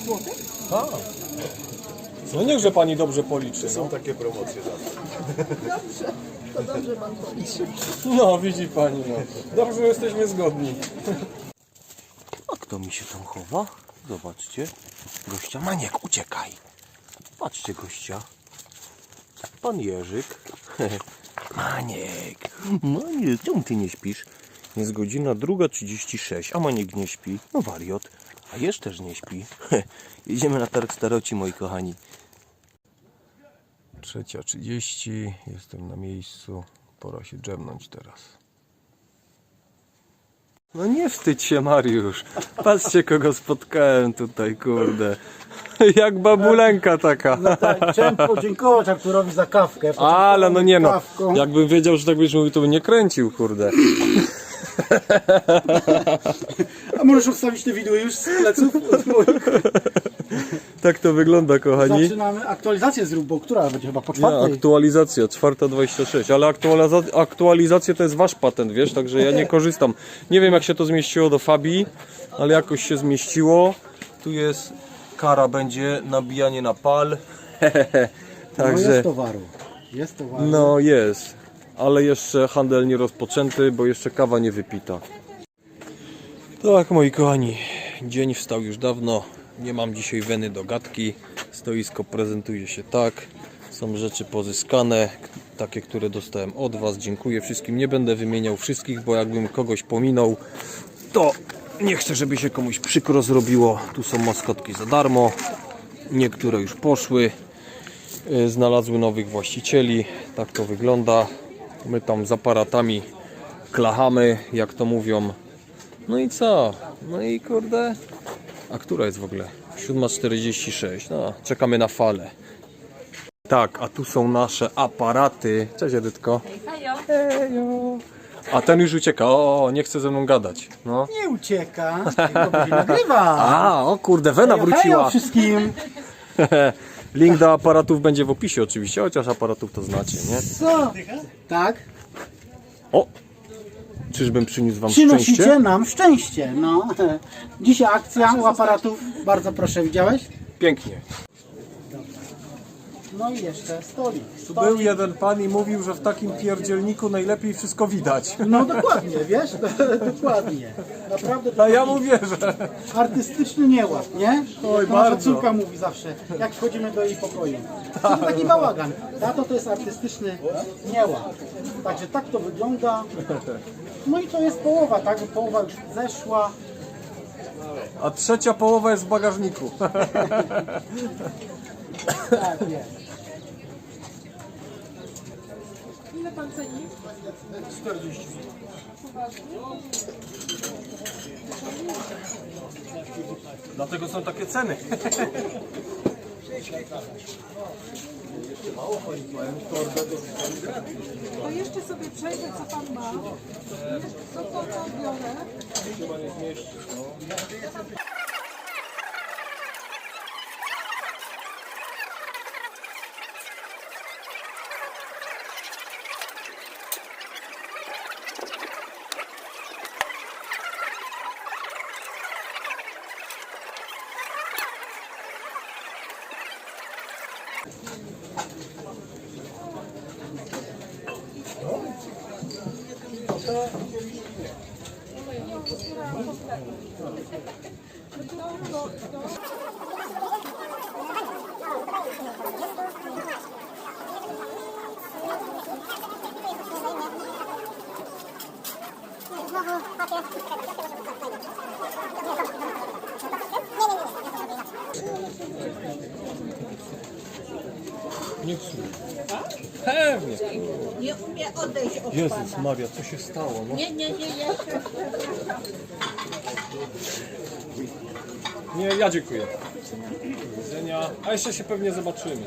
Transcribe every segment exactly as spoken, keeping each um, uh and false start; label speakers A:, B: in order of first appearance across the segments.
A: złotych?
B: A. No niechże pani dobrze policzy.
C: Są
B: No,
C: takie promocje zawsze.
A: Dobrze, to dobrze pan policzy.
B: no widzi pani, no. Dobrze, że jesteśmy zgodni. A kto mi się tam chowa? Zobaczcie. Gościa Maniek, uciekaj. Patrzcie gościa. Pan Jerzyk. Maniek. Maniek, czemu ty nie śpisz? Jest godzina druga trzydzieści sześć, a Maniek nie śpi. No wariot. A Jerz też nie śpi. Jedziemy na targ staroci, moi kochani. Trzecia trzydzieści. Jestem na miejscu. Pora się drzemnąć teraz. No nie wstydź się, Mariusz. Patrzcie, kogo spotkałem tutaj, kurde. Jak babulenka taka.
D: No tak, chciałem podziękować Arturowi za kawkę.
B: Ale no nie no.
D: Kawką.
B: Jakbym wiedział, że tak byś mówił, to bym nie kręcił, kurde.
D: A możesz odstawić te widły już z pleców?
B: Tak to wygląda, kochani.
D: Zaczynamy aktualizację zrób, bo która będzie chyba po
B: Nie,
D: czwartej?
B: aktualizacja, czwarta dwadzieścia sześć, ale aktualiza aktualizacja to jest wasz patent, wiesz, także ja nie korzystam. Nie wiem, jak się to zmieściło do Fabii, ale jakoś się zmieściło. Tu jest kara, będzie nabijanie na pal.
D: No
B: Także
D: jest towaru. Jest towaru.
B: no jest, ale jeszcze handel nie rozpoczęty, bo jeszcze kawa nie wypita. Tak, moi kochani, dzień wstał już dawno. Nie mam dzisiaj weny do gadki. Stoisko prezentuje się tak. Są rzeczy pozyskane, takie, które dostałem od was. Dziękuję wszystkim. Nie będę wymieniał wszystkich, bo jakbym kogoś pominął, to nie chcę, żeby się komuś przykro zrobiło. Tu są maskotki za darmo. Niektóre już poszły. Znalazły nowych właścicieli. Tak to wygląda. My tam z aparatami klachamy, jak to mówią. No i co? No i kurde. A która jest w ogóle? siódma czterdzieści sześć. No, czekamy na falę. Tak, a tu są nasze aparaty. Cześć, Edytko. Hejo. A ten już ucieka. O, nie chce ze mną gadać. No.
D: Nie ucieka, tylko będzie nagrywa.
B: A, o kurde, Wena
D: Hejo
B: wróciła.
D: wszystkim.
B: Link do aparatów będzie w opisie oczywiście, chociaż aparatów to znacie, nie?
D: Co? Tak?
B: O! Czyżbym przyniósł wam
D: Przynosicie
B: szczęście?
D: nam szczęście. No. Dzisiaj akcja u aparatów. Bardzo proszę, widziałeś?
B: Pięknie.
D: No i jeszcze stolik.
B: Tu
D: stolik.
B: był jeden pan i mówił, że w takim pierdzielniku najlepiej wszystko widać.
D: No dokładnie, wiesz? Dokładnie. Naprawdę
B: A
D: to
B: ja
D: taki
B: mu wierzę.
D: artystyczny nieład, nie?
B: Oj,
D: To nasza
B: bardzo.
D: córka mówi zawsze, jak wchodzimy do jej pokoju. To taki bałagan. Tato to jest artystyczny nieład. Także tak to wygląda. No i to jest połowa, tak? Połowa już zeszła.
B: A trzecia połowa jest w bagażniku.
D: Tak jest.
A: Ile pan ceni?
D: czterdzieści.
B: Dlatego są takie ceny.
A: To jeszcze sobie przejrzę, co pan ma. Co to co biorę?
B: Nie psuj. Pewnie.
A: Nie umie odejść od
B: Jezus Maria, co się stało? No.
A: Nie, nie, nie, jeszcze.
B: Nie, ja dziękuję. Do widzenia. A jeszcze się pewnie zobaczymy.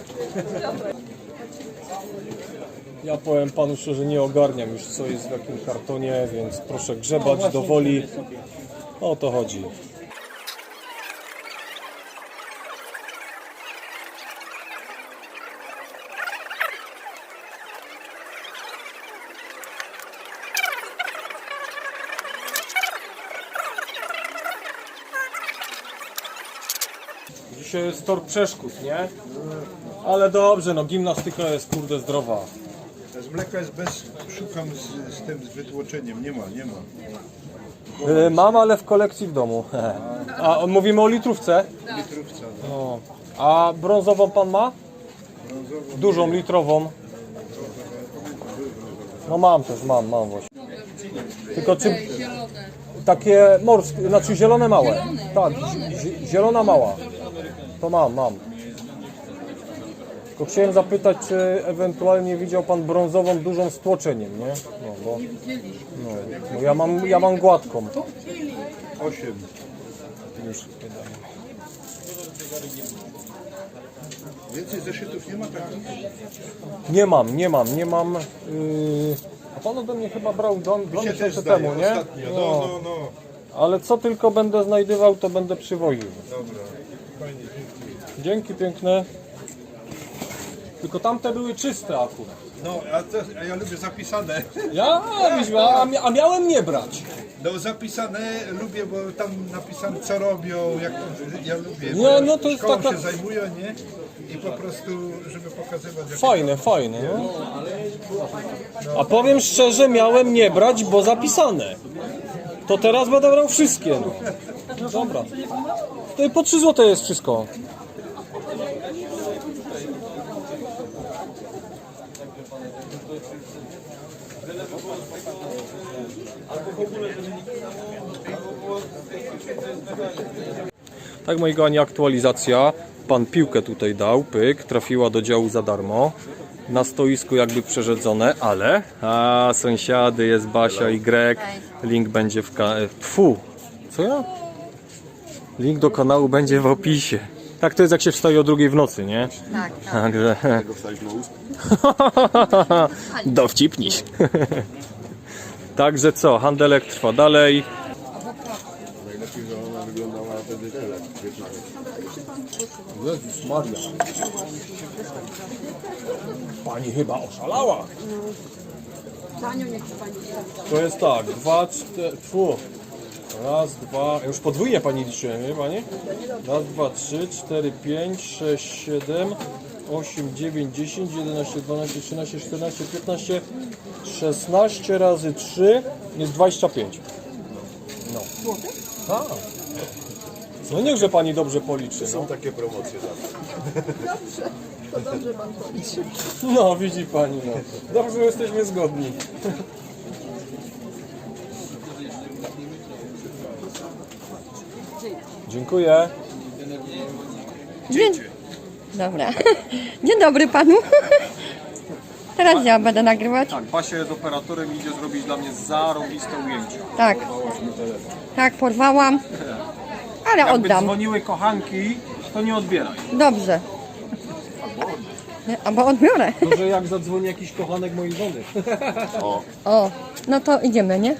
B: Ja powiem panu szczerze, nie ogarniam już co jest w jakim kartonie, więc proszę grzebać do woli. O to chodzi. Dzisiaj jest tor przeszkód, nie? Ale dobrze, no gimnastyka jest kurde zdrowa.
C: Z mleka jest bez, szukam z, z tym z wytłoczeniem, nie ma, nie ma.
B: Yy, mam, ale w kolekcji w domu. A on- mówimy o litrówce?
C: Litrówca, no.
B: No. A brązową pan ma?
C: Brązową,
B: Dużą, litrową. No mam też, mam, mam właśnie. Tylko czy takie morskie, znaczy zielone małe. Tak, zi- zielona mała. To mam, mam. Tylko chciałem zapytać, czy ewentualnie widział pan brązową dużą z tłoczeniem, nie? No, bo, no, bo ja mam, ja mam gładką.
C: osiem.
B: Już wydaje.
C: Więcej zeszytów nie ma takich?
B: Nie mam, nie mam, nie mam. Yy, a pan ode mnie chyba brał dwa, dwa
C: Mi się też
B: miesiące
C: zdaje,
B: temu, nie?
C: ostatnio. No, no, no.
B: Ale co tylko będę znajdywał, to będę przywoził.
C: Dobra, fajnie, dziękuję.
B: Dzięki piękne. Tylko tamte były czyste akurat.
C: No, a, to, a ja lubię zapisane.
B: Ja, a, mia- a miałem nie brać.
C: No zapisane lubię, bo tam napisane co robią, jak ja lubię.
B: Nie,
C: bo
B: no to jest
C: szkołą
B: taka-
C: się zajmują, nie? I po prostu, żeby pokazywać jak
B: Fajne, fajne. No. A powiem szczerze, miałem nie brać, bo zapisane. To teraz będę brał wszystkie. No. Dobra. To po trzy złote jest wszystko. Tak, moi kochani, aktualizacja. Pan piłkę tutaj dał, pyk, trafiła do działu za darmo. Na stoisku jakby przerzedzone, ale... A, sąsiady, jest Basia i Greg. Link będzie w... Ka- Pfu, co ja? Link do kanału będzie w opisie. Tak to jest, jak się wstaje o drugiej w nocy, nie?
E: Tak, tak.
B: Także... Dowcipniś. Także co, handelek trwa dalej.
C: najlepiej, że ona wyglądała wtedy tyle.
B: Jezus Maria. Pani chyba oszalała. To jest tak, dwa, cztery, fu. Raz, dwa, już podwójnie pani liczyłem, nie pani? Raz, dwa, trzy, cztery, pięć, sześć, siedem, osiem, dziewięć, dziesięć, jedenaście, dwanaście, trzynaście, czternaście, piętnaście, szesnaście razy trzy jest dwadzieścia pięć. No. Tak. No niechże pani dobrze policzy.
C: Są takie promocje zawsze.
B: No, widzi pani, no. Dobrze, że jesteśmy zgodni. Dziękuję.
E: Dzień... Dobra. Dzień dobry panu. Teraz ja będę nagrywać.
B: Tak, Basia jest operatorem i idzie zrobić dla mnie zarąbiste ujęcie.
E: Tak. Tak, porwałam. Ale
B: Jakby
E: oddam.
B: dzwoniły kochanki, to nie odbieraj.
E: Dobrze. Nie, albo odbiorę.
B: Może jak zadzwoni jakiś kochanek mojej żony.
E: O, no to idziemy, nie?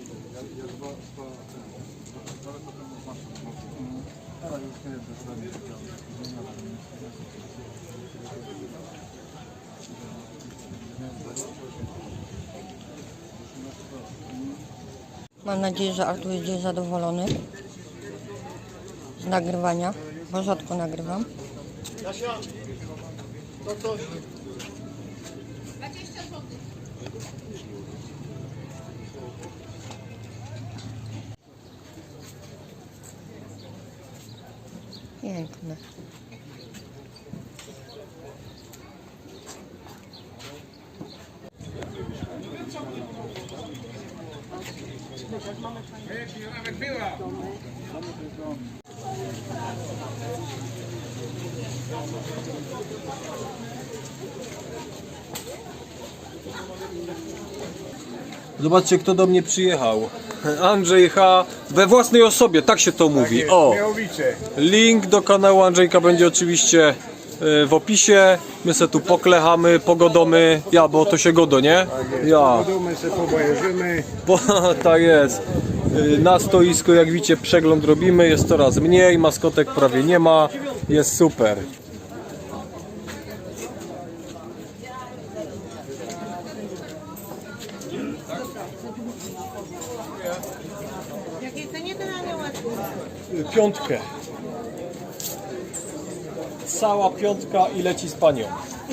E: Mam nadzieję, że Artur jest dziś zadowolony z nagrywania, bo rzadko nagrywam. Piękne.
B: Zobaczcie, kto do mnie przyjechał. Andrzej H. we własnej osobie, tak się to mówi. O, link do kanału Andrzejka będzie oczywiście e, w opisie. My se tu poklechamy, pogodomy. Ja, bo to się godo, nie? Ja.
C: My się pobajerzymy.
B: Bo, tak jest. E, Na stoisku, jak widzicie, przegląd robimy. Jest coraz mniej, maskotek prawie nie ma. Jest super.
A: W jakiej cenie ten aniołek?
B: Piątkę. Cała piątka i leci z panią.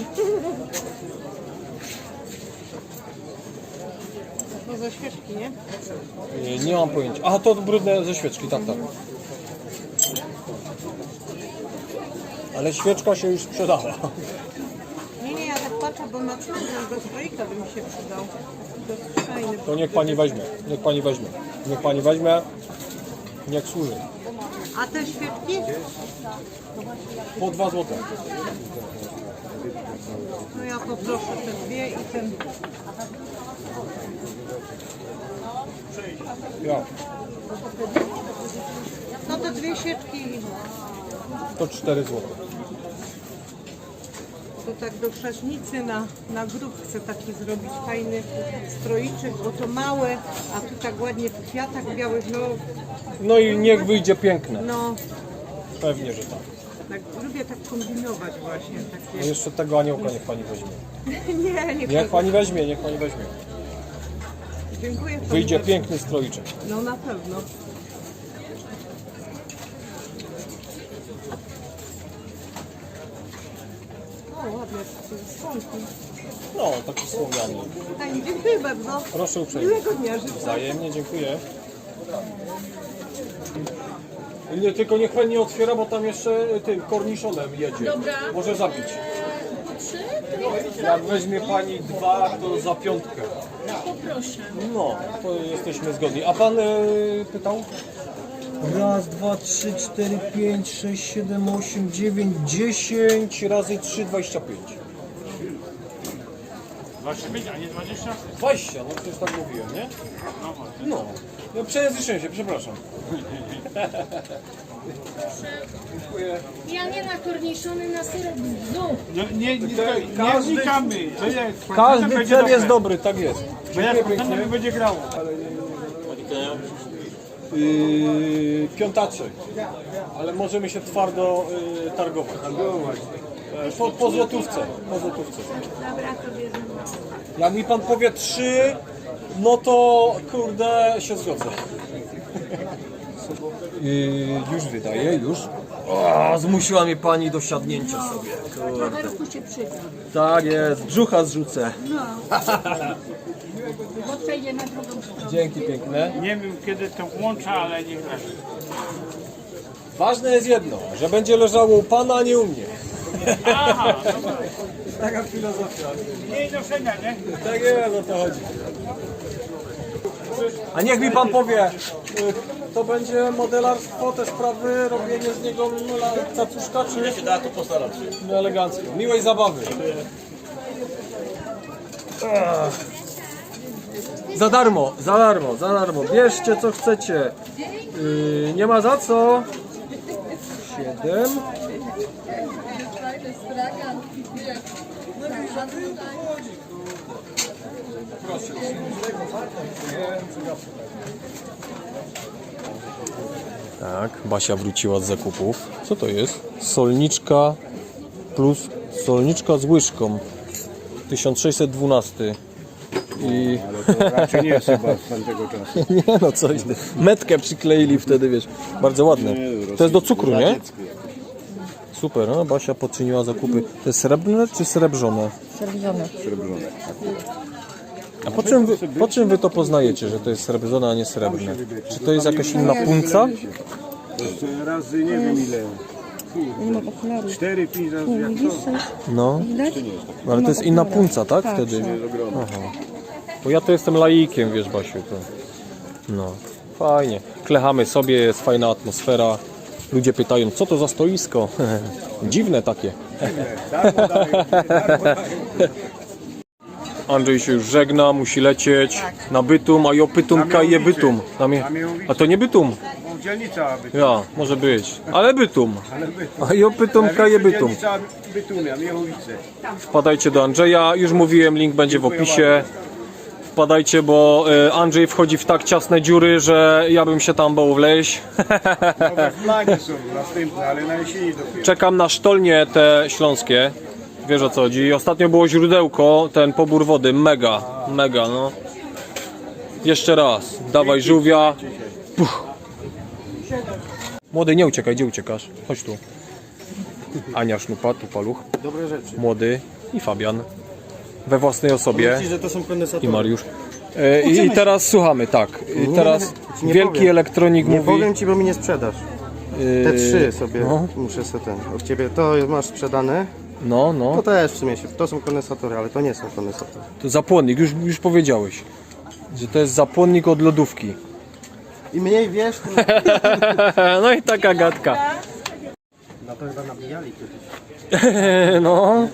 A: No ze świeczki, nie?
B: Nie, nie mam pojęcia. Aha, to brudne ze świeczki, tak, tak. Ale świeczka się już sprzedała.
A: Nie, nie, ja tak patrzę, bo na cmentarz do stroika by mi się przydał. Dosyć fajny.
B: To niech pani weźmie, niech pani weźmie. Niech pani weźmie, niech służy.
A: A te świeczki?
B: Po dwa złote.
A: No ja poproszę te dwie i ten...
B: Ja.
A: No te dwie świeczki.
B: To cztery złote.
A: To tak do chrzaśnicy na, na grób chcę taki zrobić fajny stroiczek, bo to małe, a tu tak ładnie w kwiatach białych, no,
B: No i niech wyjdzie piękne.
A: no
B: Pewnie, że tak.
A: tak, lubię tak kombinować właśnie.
B: A
A: Takie...
B: jeszcze tego aniołka niech pani weźmie.
A: Nie, nie
B: Niech pani weźmie, niech pani weźmie.
A: Dziękuję. pani
B: Wyjdzie
A: bardzo.
B: piękny stroiczek.
A: No na pewno. O, ładne skądki.
B: No, taki słomiany.
A: Fajnie, dziękuję bardzo.
B: Proszę uprzejmie.
A: Miłego dnia życzę.
B: Wzajemnie, dziękuję. Nie, tylko niech pani nie otwiera, bo tam jeszcze tym korniszonem jedzie. Dobra. Może zabić. Jak weźmie pani dwa, to za piątkę.
F: Poproszę.
B: No, to jesteśmy zgodni. A pan y, pytał? Raz, dwa, trzy, cztery, pięć, sześć, siedem, osiem, dziewięć, dziesięć razy trzy, dwadzieścia pięć.
G: dwadzieścia pięć, a nie dwadzieścia?
B: dwadzieścia, no przecież tak mówiłem, nie? No, no przejęzyczyłem się, przepraszam. Dziękuję.
F: Ja nie na korniszony, na syrop znów.
G: No, nie, nie, nie,
B: Każdy-
G: nie wnikamy. To jest,
B: Każdy
G: będzie
B: cel
G: dobre.
B: jest dobry, tak jest.
G: Bo jak
B: Dziękuję
G: potem
B: pięknie.
G: będzie grało.
B: Yy, piątaczek, ale możemy się twardo yy, targować. Yy, Po, po złotówce, po złotówce.
F: Dobra, to bierzemy.
B: Jak mi pan powie trzy, no to kurde się zgodzę. Yy, już wydaje, już. O, zmusiła mnie pani do siadnięcia sobie. Kurde.
F: Rowerku się przyda.
B: Tak jest, brzucha zrzucę.
F: Bo przejdzie na drugą stronę.
B: Dzięki piękne.
G: Nie wiem kiedy to włącza, ale niech leży.
B: Ważne jest jedno, że będzie leżało u pana, a nie u mnie.
G: Aha,
B: Taka filozofia.
G: mniej noszenia, nie?
B: Tak jest, o to chodzi. A niech mi pan powie, y, to będzie modelarstwo, te sprawy, robienie z niego la- cacuszka, czy... Ja się da, to postaram się. No elegancko. Miłej zabawy. Ach. Za darmo, za darmo, za darmo. Bierzcie co chcecie. Yy, nie ma za co. Siedem. Proszę. Tak, Basia wróciła z zakupów. Co to jest? Solniczka plus solniczka z łyżką. tysiąc sześćset dwanaście. I...
H: Raczej nie jest chyba z tamtego czasu.
B: Nie no, coś. ty. Metkę przykleili wtedy, wiesz. Bardzo ładne. To jest do cukru, nie? Super, no Basia poczyniła zakupy. To jest srebrne czy srebrzone?
E: Srebrzone.
B: A po czym, wy, po czym wy to poznajecie, że to jest srebrzone, a nie srebrne? Czy to jest jakaś inna punca?
H: To jest razy nie wiem ile.
E: Nie ma okularów.
H: cztery pięć razy jak to.
B: No. No ale to jest inna punca, tak? Wtedy. Aha. Bo ja to jestem laikiem, wiesz Basiu. To... No. Fajnie. Klechamy sobie, jest fajna atmosfera. Ludzie pytają, co to za stoisko? Dziwne takie. Andrzej się już żegna, musi lecieć na Bytum, a jo Pytum kaje Bytum. Na mnie... A to nie Bytum.
H: Dzielnica Bytum.
B: Ja, może być. Ale Bytum. A jo Pytum kaje Bytum.
H: Dzielnica Bytumia, Miechowice.
B: Wpadajcie do Andrzeja, już mówiłem, link będzie w opisie. Wpadajcie, bo y, Andrzej wchodzi w tak ciasne dziury, że ja bym się tam bał wleźć.
H: Nowe flagi są następne, ale na jesieni dopiero.
B: Czekam na sztolnie te śląskie. Wiesz o co chodzi. Ostatnio było źródełko, ten pobór wody, mega, mega no. Jeszcze raz, dawaj żółwia. Puch. Młody, nie uciekaj, gdzie uciekasz? Chodź tu. Ania Sznupa, tu paluch.
D: Dobre rzeczy.
B: Młody i Fabian. We własnej osobie.
D: Myślisz, że to są kondensatory?
B: I Mariusz. E, I, I teraz słuchamy, tak. I teraz
I: nie
B: wielki
I: powiem.
B: elektronik
I: Nie
B: mówi.
I: powiem ci, bo mi nie sprzedasz. Te
B: e,
I: trzy sobie
B: No,
I: muszę sobie ten. Od ciebie to masz sprzedane.
B: no, no.
I: To też w sumie się. To są kondensatory, ale to nie są kondensatory.
B: To zapłonnik, już, już powiedziałeś. Że to jest zapłonnik od lodówki.
I: Im mniej wiesz, tym
B: No i taka gadka.
I: na to chyba nabijali kiedyś.
B: No.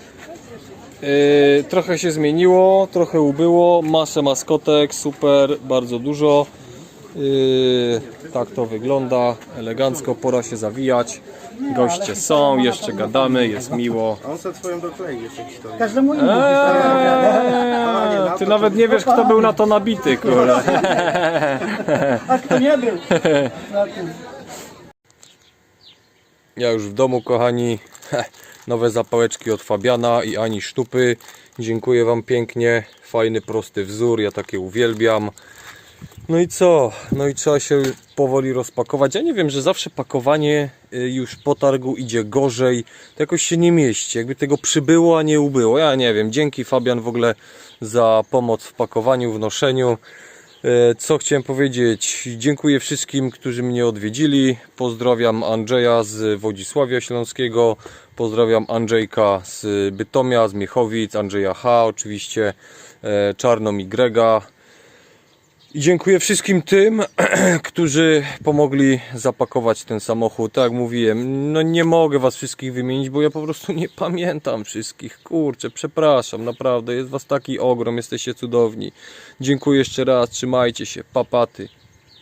B: Yy, trochę się zmieniło, trochę ubyło, masę maskotek, super, bardzo dużo. Yy, tak to wygląda, elegancko, pora się zawijać. Goście są, jeszcze gadamy, jest miło.
I: A on sobie twoją doklei jeszcze historię.
D: Każdemu innemu.
B: Eee, ty nawet nie wiesz, kto był na to nabity, kurde.
D: A kto nie był? Na tym.
B: Ja już w domu, kochani. Nowe zapałeczki od Fabiana i Ani Sztupy. Dziękuję wam pięknie. Fajny, prosty wzór, ja takie uwielbiam. No i co? No i trzeba się powoli rozpakować. Ja nie wiem, że zawsze pakowanie już po targu idzie gorzej. To jakoś się nie mieści. Jakby tego przybyło, a nie ubyło. Ja nie wiem. Dzięki Fabian w ogóle za pomoc w pakowaniu, w noszeniu. Co chciałem powiedzieć? Dziękuję wszystkim, którzy mnie odwiedzili. Pozdrawiam Andrzeja z Wodzisławia Śląskiego. Pozdrawiam Andrzejka z Bytomia, z Miechowic, Andrzeja H. oczywiście, Czarną i Grega. I dziękuję wszystkim tym, którzy pomogli zapakować ten samochód. Tak jak mówiłem, no nie mogę was wszystkich wymienić, bo ja po prostu nie pamiętam wszystkich. Kurczę, przepraszam, naprawdę, jest was taki ogrom, jesteście cudowni. Dziękuję jeszcze raz, trzymajcie się, papaty.